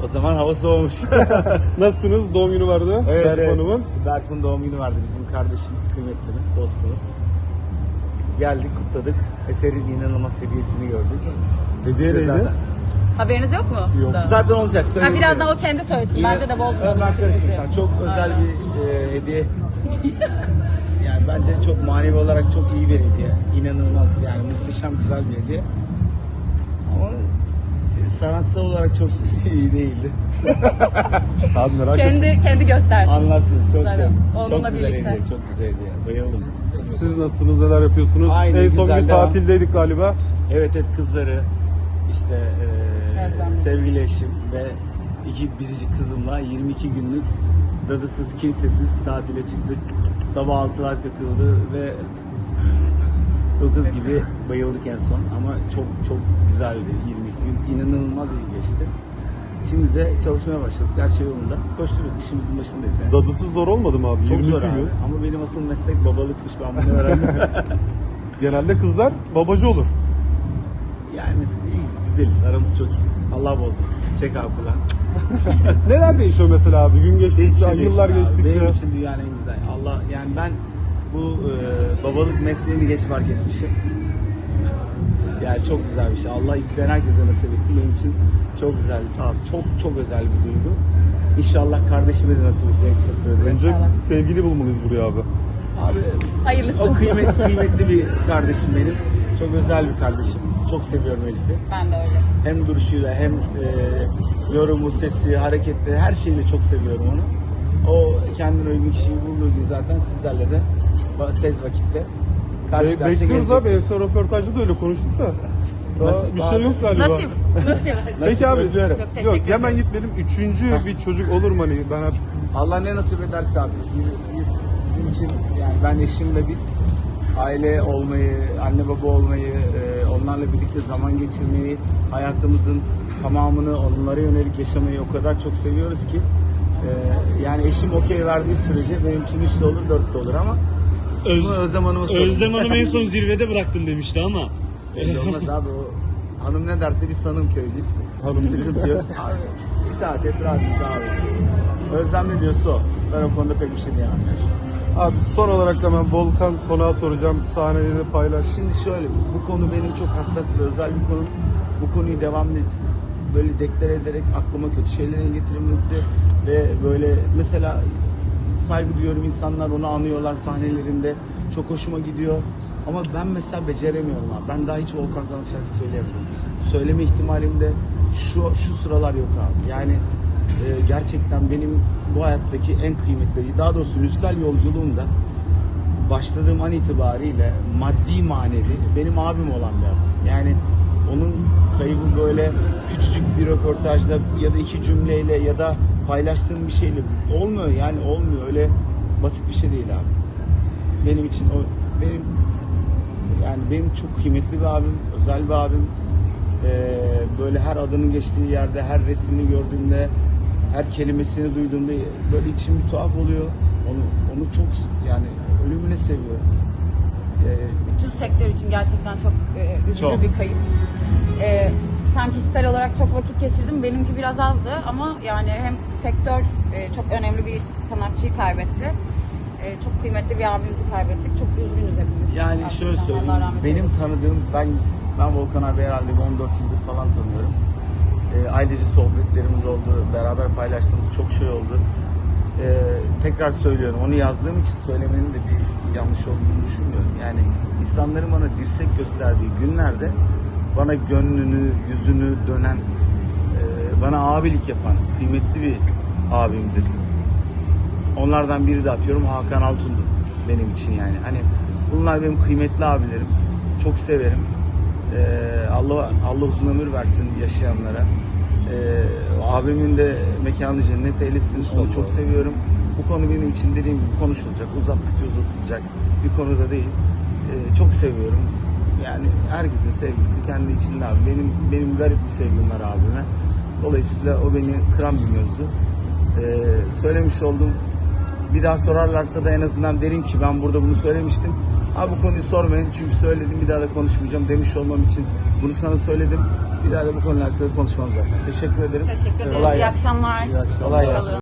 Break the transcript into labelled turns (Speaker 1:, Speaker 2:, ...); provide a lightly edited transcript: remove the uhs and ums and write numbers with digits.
Speaker 1: O zaman hava soğumuş.
Speaker 2: Nasılsınız? Doğum günü vardı Berfu Hanım'ın.
Speaker 1: Berfu'nun doğum günü vardı. Bizim kardeşimiz, kıymetlimiz, dostumuz. Geldik, kutladık. Eser'in inanılmaz hediyesini gördük.
Speaker 2: Hediye neydi?
Speaker 1: Zaten.
Speaker 3: Haberiniz yok mu?
Speaker 2: Yok.
Speaker 3: Da.
Speaker 1: Zaten olacak.
Speaker 3: Ha, birazdan o kendi söylesin. Bence de bozmayalım.
Speaker 1: Ben karıştırdım. Çok özel bir hediye. Yani bence çok manevi olarak çok iyi bir hediye. İnanılmaz yani muhteşem güzel bir hediye. Ama sanatsal olarak çok iyi değildi.
Speaker 2: Abi merak ettim.
Speaker 3: Kendi göstersin.
Speaker 1: Anlarsınız çok
Speaker 3: Zaten
Speaker 1: çok.
Speaker 3: onunla
Speaker 1: Çok güzel
Speaker 3: birlikte.
Speaker 1: hediye, çok güzel hediye. Bayıldım.
Speaker 2: Siz nasılsınız? Neler yapıyorsunuz?
Speaker 1: Aynı,
Speaker 2: en son
Speaker 1: güzel,
Speaker 2: bir
Speaker 1: devam.
Speaker 2: tatildeydik galiba.
Speaker 1: Evet kızları işte
Speaker 3: Özlem.
Speaker 1: sevgili eşim ve biricik kızımla 22 günlük dadısız kimsesiz tatile çıktık. Sabah 6'lar kakıldı ve 9 gibi bayıldık en son ama çok güzeldi 22 gün. İnanılmaz iyi geçti. Şimdi de çalışmaya başladık. Her şey yolunda. Koşturuyoruz. İşimizin başındayız yani.
Speaker 2: Dadısı zor olmadı mı abi?
Speaker 1: Çok
Speaker 2: 22
Speaker 1: zor
Speaker 2: gün.
Speaker 1: abi. Ama benim asıl meslek babalıkmış. Ben bunu öğrendim.
Speaker 2: Genelde kızlar babacı olur.
Speaker 1: Yani iyiyiz, güzeliz. Aramız çok iyi. Allah bozmasın. Çek abi kulağın.
Speaker 2: Neler değişiyor mesela abi? Gün geçtikçe,
Speaker 1: Hiçbir şey
Speaker 2: yıllar
Speaker 1: değişmiyor abi.
Speaker 2: geçtikçe.
Speaker 1: Benim için dünyanın en güzel. Allah yani ben bu babalık mesleğini geç fark etmişim. Yani çok güzel bir şey. Allah isteyen herkese nasip etsin. Benim için çok güzel. Çok özel bir duygu. İnşallah kardeşime de nasip etsin en kısa sürede.
Speaker 2: Önce sevgili bulmalıyız buraya abi.
Speaker 1: Abi
Speaker 3: Hayırlısı.
Speaker 1: o kıymetli bir kardeşim benim. Çok özel bir kardeşim. Çok seviyorum Elif'i.
Speaker 3: Ben de öyle.
Speaker 1: Hem duruşuyla hem yorumu, sesi, hareketleri her şeyle çok seviyorum onu. O kendine uygun kişiyi bulduğu gün zaten sizlerle de tez vakitte karşı karşıya
Speaker 2: Bekliyoruz
Speaker 1: gelecek.
Speaker 2: abi. En son röportajda da öyle konuştuk da. Daha
Speaker 1: Nasip
Speaker 2: bir
Speaker 1: abi.
Speaker 2: şey yok galiba.
Speaker 3: Nasip.
Speaker 2: Peki abi.
Speaker 1: Öpüyorum.
Speaker 3: Çok teşekkür
Speaker 2: Yok hemen
Speaker 3: ederiz.
Speaker 2: gitmeyelim. Üçüncü bir çocuk olur mu hani? Ben artık
Speaker 1: Allah ne nasip ederse abi. Bizim için yani ben eşim ve biz aile olmayı, anne baba olmayı, onlarla birlikte zaman geçirmeyi, hayatımızın tamamını onlara yönelik yaşamayı o kadar çok seviyoruz ki yani eşim okey verdiği sürece benim için 3 de olur 4 de olur ama Özlem Hanım'a sorun.
Speaker 4: Özlem Hanım en son zirvede bıraktım demişti ama.
Speaker 1: Belli olmaz abi o hanım ne derse biz hanım köylüyüz.
Speaker 2: Hanım
Speaker 1: Sıkıntı yok. Abi itaat et rahat et abi. Özlem ne diyorsa o. Ben o konuda pek bir şey diyemem yani.
Speaker 2: abi son olarak da ben Volkan konağı soracağım. Sahneyi de paylaş.
Speaker 1: Şimdi şöyle, bu konu benim çok hassas ve özel bir konu. Bu konuyu devamlı böyle deklare ederek aklıma kötü şeylerin getirilmesi ve böyle mesela saygı duyuyorum, insanlar onu anıyorlar sahnelerinde. Çok hoşuma gidiyor. Ama ben mesela beceremiyorum abi. Ben daha hiç Volkan Konak şarkısı söyleyemiyorum. Söyleme ihtimalim de şu sıralar yok abi. Yani gerçekten benim bu hayattaki en kıymetli, daha doğrusu müzikal yolculuğumda başladığım an itibariyle maddi manevi benim abim olan bir adam. Yani onun kaybı böyle küçücük bir röportajla ya da 2 cümleyle ya da paylaştığım bir şeyle olmuyor yani olmuyor. Öyle basit bir şey değil abi. Benim için o benim çok kıymetli bir abim, özel bir abim. Böyle her adının geçtiği yerde, her resmini gördüğümde, her kelimesini duyduğumda böyle içim bir tuhaf oluyor. Onu çok yani ölümüne seviyorum.
Speaker 3: Bütün sektör için gerçekten çok üzücü
Speaker 1: Çok.
Speaker 3: bir kayıp. Sen kişisel olarak çok vakit geçirdin. Benimki biraz azdı ama yani hem sektör çok önemli bir sanatçıyı kaybetti. Çok kıymetli bir abimizi kaybettik. Çok üzgünüz hepimiz.
Speaker 1: Yani
Speaker 3: Gerçekten.
Speaker 1: şöyle söyleyeyim,
Speaker 3: Allah rahmet
Speaker 1: benim
Speaker 3: eylesin.
Speaker 1: tanıdığım, ben Volkan abi herhalde 14 yıldır falan tanıyorum. Ailece sohbetlerimiz oldu, beraber paylaştığımız çok şey oldu. Tekrar söylüyorum, onu yazdığım için söylemenin de bir yanlış olduğunu düşünmüyorum. Yani insanların bana dirsek gösterdiği günlerde bana gönlünü, yüzünü dönen, bana abilik yapan kıymetli bir abimdir. Onlardan biri de atıyorum Hakan Altun'dur benim için yani. Hani bunlar benim kıymetli abilerim. Çok severim. Allah uzun ömür versin yaşayanlara. Abimin de mekanı cennet eylesin. Onu çok seviyorum. Bu konu benim için dediğim gibi konuşulacak. Uzattıkça uzatılacak bir konu da değil. Çok seviyorum. Yani herkesin sevgisi kendi içinde abi. Benim garip bir sevgim var abime. Dolayısıyla o beni kıran bir mevzu. Söylemiş oldum. Bir daha sorarlarsa da en azından derim ki ben burada bunu söylemiştim. Abi bu konuyu sormayın çünkü söyledim, bir daha da konuşmayacağım demiş olmam için bunu sana söyledim. Bir daha da bu konu hakkında konuşmam zaten. Teşekkür ederim.
Speaker 3: Teşekkür ederim.
Speaker 1: Kolay
Speaker 3: İyi
Speaker 1: gelsin.
Speaker 3: akşamlar.
Speaker 2: İyi akşamlar.
Speaker 1: Kolay gelsin.